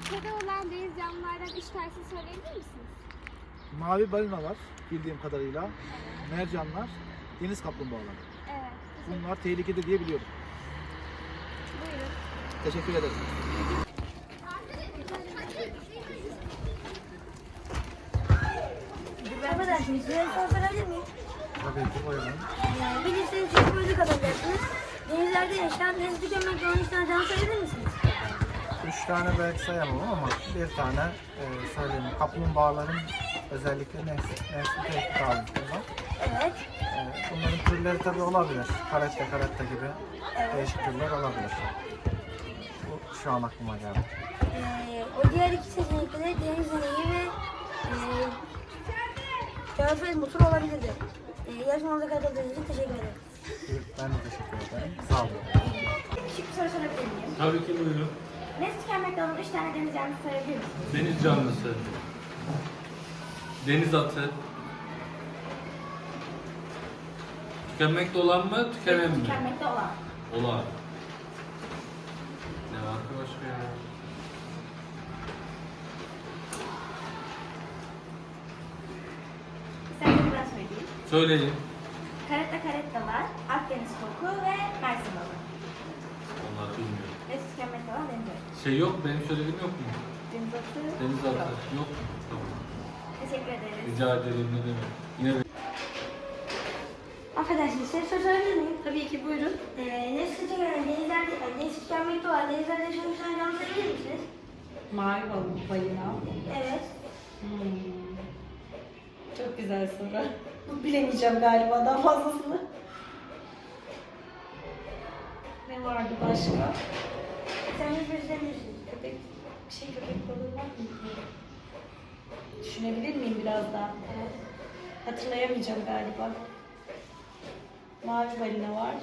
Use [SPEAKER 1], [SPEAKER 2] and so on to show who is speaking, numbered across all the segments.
[SPEAKER 1] ülkede olan deniz canlılardan 3 tanesini söyleyebilir misiniz?
[SPEAKER 2] Mavi balina var bildiğim kadarıyla. Mercanlar, deniz kaplumbağaları.
[SPEAKER 1] Evet.
[SPEAKER 2] Bunlar tehlikede diye biliyorum.
[SPEAKER 1] Buyurun.
[SPEAKER 2] Teşekkür ederim.
[SPEAKER 3] Affedersiniz, size bir soru sorabilir miyim?
[SPEAKER 2] Tabii ki buyurun.
[SPEAKER 3] Bilirseniz çok müzik kazanacaksınız. Denizlerde yaşayan deniz tükenmekte olan 3 tane canlı sayabilir misiniz?
[SPEAKER 4] 3 tane belki sayamam ama bir tane söyleyeyim. Kaplumbağaların özellikle nesli tehdit altında.
[SPEAKER 3] Evet.
[SPEAKER 4] Bunların türleri tabii olabilir. Karetta gibi değişik türler olabilir. Bu şu an aklıma geldi.
[SPEAKER 3] O diğer iki seçenekte de deniz ineği ve körfez motoru olabilirdi. Yarışmamıza katıldığınız için teşekkür ederim.
[SPEAKER 4] Ben de teşekkür ederim. Sağ olun.
[SPEAKER 3] Küçük bir soru sorabilir miyim?
[SPEAKER 5] Tabii ki buyurun.
[SPEAKER 3] Nesli tükenmekte olan 3 tane deniz canlısı sayabilir misiniz?
[SPEAKER 5] Deniz canlısı. Deniz atı. Tükenmekte olan mı, tükenen mi?
[SPEAKER 3] Tükenmekte olan.
[SPEAKER 5] Olan. Ne var ki başka ya?
[SPEAKER 3] İsterseniz ben söyleyeyim.
[SPEAKER 5] Söyleyin.
[SPEAKER 3] Karetta var, Akdeniz koku ve Mersin balığı.
[SPEAKER 5] Onlar bilmiyorum.
[SPEAKER 3] Nesli tükenmekte olan deniz atı.
[SPEAKER 5] Şey yok, benim söylediğim yok mu?
[SPEAKER 3] Deniz atı.
[SPEAKER 5] Deniz atı. Yok mu? Tamam.
[SPEAKER 3] Teşekkür ederiz.
[SPEAKER 5] Rica ederim, ne demek. Yine
[SPEAKER 3] Affedersiniz, size soru sorabilir miyim? Tabii ki, buyurun. Nesli tükenmekte olan denizlerde yaşayan 3 tane canlı sayabilir misiniz?
[SPEAKER 6] Mavi balina.
[SPEAKER 3] Evet.
[SPEAKER 6] Çok güzel soru. Bu bilemeyeceğim galiba daha fazlasını. Ne vardı başka?
[SPEAKER 3] Sen de gösterebilirsiniz.
[SPEAKER 6] Köpek, köpek balığı var mı? Düşünebilir miyim biraz daha?
[SPEAKER 3] Evet.
[SPEAKER 6] Hatırlayamayacağım galiba. Mavi balina var.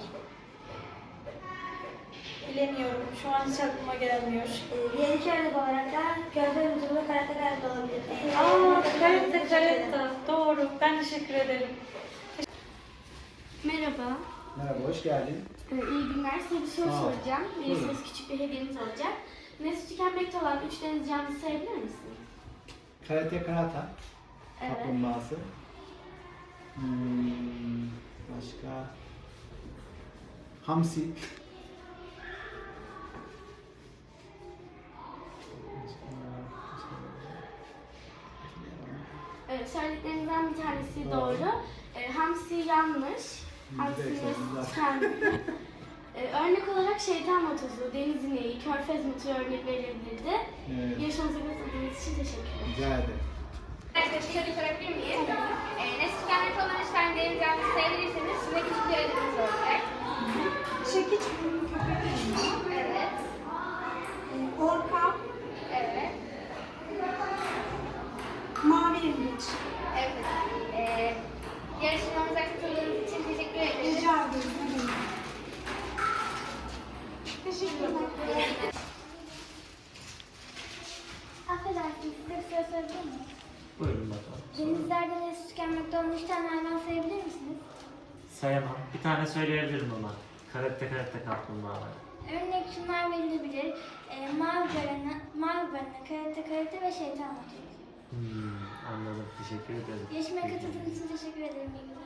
[SPEAKER 6] Bilemiyorum. Şu an hiç aklıma gelmiyor.
[SPEAKER 3] Diğer iki örnek olarak da körfez motoru ve karetta olabilir.
[SPEAKER 6] Karetta. Doğru. Ben teşekkür ederim.
[SPEAKER 1] Merhaba.
[SPEAKER 2] Merhaba, hoş geldin.
[SPEAKER 1] İyi günler. Size bir soru
[SPEAKER 2] Sağ ol.
[SPEAKER 1] soracağım.
[SPEAKER 2] Buyurun.
[SPEAKER 1] Verirseniz küçük bir hediyeniz olacak. Nesli tükenmekte olan 3 deniz canlısı sayabilir misiniz?
[SPEAKER 2] Karata,
[SPEAKER 1] Evet.
[SPEAKER 2] kaplumbağası. Başka? Hamsi.
[SPEAKER 1] Evet, söylediklerinizden bir tanesi doğru. Hamsi yanlış. Hamsi nesli tükenmekte. Örnek olarak şeytan motosu, deniz ineği, körfez motoru örnek verilebilirdi.
[SPEAKER 2] Evet.
[SPEAKER 1] Yarışmamıza katıldığınız için teşekkür ederim.
[SPEAKER 2] Rica ederim.
[SPEAKER 1] Arkadaşlar şöyle sorabilir miyim? Nesli tükenmekte olan 3 tane deniz canlısı sayabilirseniz size küçük bir ödülünüz olacak.
[SPEAKER 3] Çekiç köpek.
[SPEAKER 1] Evet.
[SPEAKER 3] Orka,
[SPEAKER 1] Evet.
[SPEAKER 3] mavi yengeç.
[SPEAKER 1] Evet. Yarışmamıza katıldığınız için teşekkür ederiz.
[SPEAKER 3] Rica ederim.
[SPEAKER 1] Teşekkürler. Affedersiniz, size bir soru sorabilir miyim?
[SPEAKER 7] Buyurun bakalım.
[SPEAKER 1] Denizlerde nesli tükenmekte olan 3 tane hayvan sayabilir misiniz?
[SPEAKER 7] Sayamam. Bir tane söyleyebilirim ama. Karette kaplumbağalar.
[SPEAKER 1] Örnek şunlar verilebilir. Mavi balina, karate ve şeytan motoru.
[SPEAKER 7] Anladım. Teşekkür ederim.
[SPEAKER 1] Yarışmaya katıldığınız için teşekkür ederim. İyi günler.